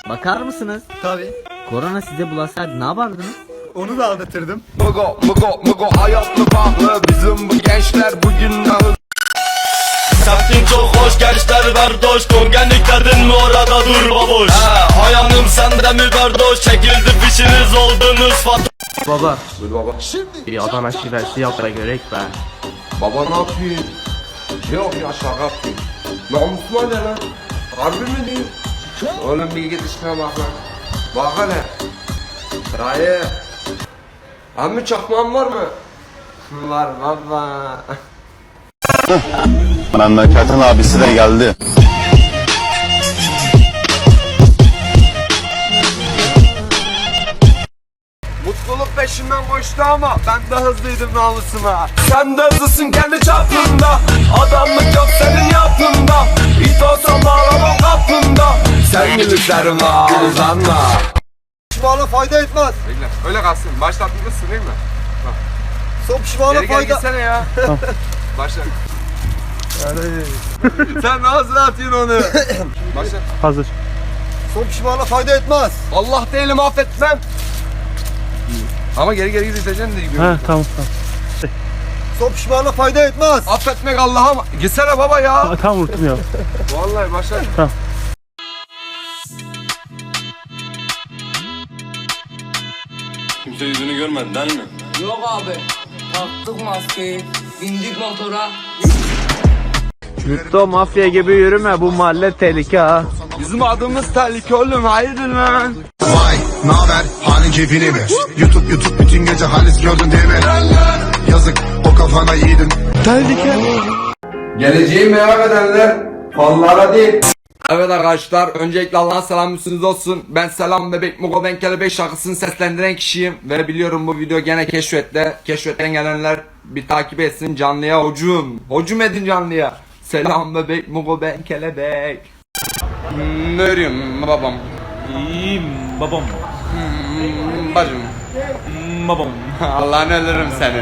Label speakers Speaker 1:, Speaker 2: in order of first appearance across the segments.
Speaker 1: Bakar mısınız?
Speaker 2: Tabii.
Speaker 1: Korona size bulaşsaydı ne yapardınız?
Speaker 2: Onu da anlatırdım.
Speaker 3: Mugo hayatlı pahalı. Bizim bu gençler bugün ağır.
Speaker 4: Semtin çok hoş gençler kardeş. Kongenlik derdin mi orada dur baboş. Hayanım sende mi kardeş. Çekildi fişiniz oldunuz fatoş.
Speaker 5: Baba,
Speaker 3: Dur baba.
Speaker 5: bir Adana şivesi yap da görek be.
Speaker 3: Baba ne yapıyorsun? Yok ya şaka yapayım. Namusuma ne lan? Harbi mi diyorsun? Oğlum bir git işine bak lan. Bak hele. Dayı. Emmi çakmağın var mı? Var baba.
Speaker 6: Memleketin abisi de geldi.
Speaker 3: Mutluluk peşinden koştu ama ben de hızlıydım namusuma. Sen de hızlısın kendi çapında. Adamlık yok senin yapında. İt olsam bağlamam kapında. Sen gülüklerim ağzanla.
Speaker 2: Pişmana fayda etmez.
Speaker 3: Bekle öyle kalsın. Başlatmışsın değil mi?
Speaker 2: Son pişmana
Speaker 3: Geri gel
Speaker 2: fayda...
Speaker 3: gitsene ya. Başla. Sen nasıl atıyorsun onu? Başla.
Speaker 5: Hazır.
Speaker 2: Son pişmana fayda etmez.
Speaker 3: Allah değilim affetmem. Ama geri gideceksin de gibi.
Speaker 5: Ha tamam.
Speaker 2: Son pişmana fayda etmez.
Speaker 3: Affetmek Allah'a mı? Gitsene baba ya.
Speaker 5: Tamam unuttum ya.
Speaker 3: Vallahi başla.
Speaker 5: Tamam.
Speaker 4: Kimse yüzünü görmedi değil mi?
Speaker 7: Yok abi. Taktık maskeyi. Bindik motora.
Speaker 5: Lütto mafya gibi yürüme, bu mahalle tehlike ha.
Speaker 3: Bizim adımız tehlike oğlum hayırdır lan?
Speaker 6: Vay, naber? Halin keyfini mi? YouTube bütün gece halis gördün değil mi? Yazık, o kafana yiğidin.
Speaker 3: Geleceği merak edenler fanlara değil. Evet arkadaşlar, öncelikle Allah'a selam üstünüz olsun. Ben Selam Bebek Mugo Ben Kelebek şarkısını seslendiren kişiyim. Ve biliyorum bu video gene keşfette. Keşfetten gelenler bir takip etsin, canlıya hocum edin canlıya. Selam Bebek Mugo Ben Kelebek. Ne örüyorsun babam?
Speaker 4: İyiyim babam.
Speaker 3: Bacım.
Speaker 4: Babam.
Speaker 3: Allah'ını ölürüm seni.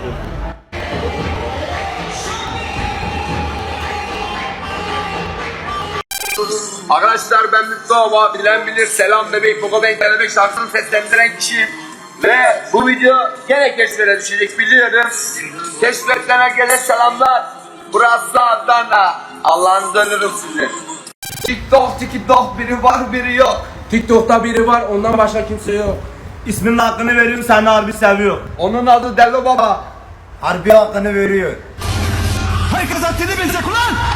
Speaker 3: Arkadaşlar ben Mustafa, bilen bilir Selam Bebek Mugo Ben Kelebek şarkısını seslendiren kişiyim. Ve bu video gene keşfete düşecek biliyorum. Keşfetten herkese selamlar. Burası Adana. Allah'ını dönürüm sizi. TikTok biri var biri yok.
Speaker 5: TikTok'ta biri var, ondan başka kimse yok.
Speaker 4: İsminin hakkını veriyorum, seni harbi seviyor.
Speaker 3: Onun adı Delo Baba.
Speaker 2: Harbi hakkını veriyor.
Speaker 4: Herkes haddini bilecek ulan!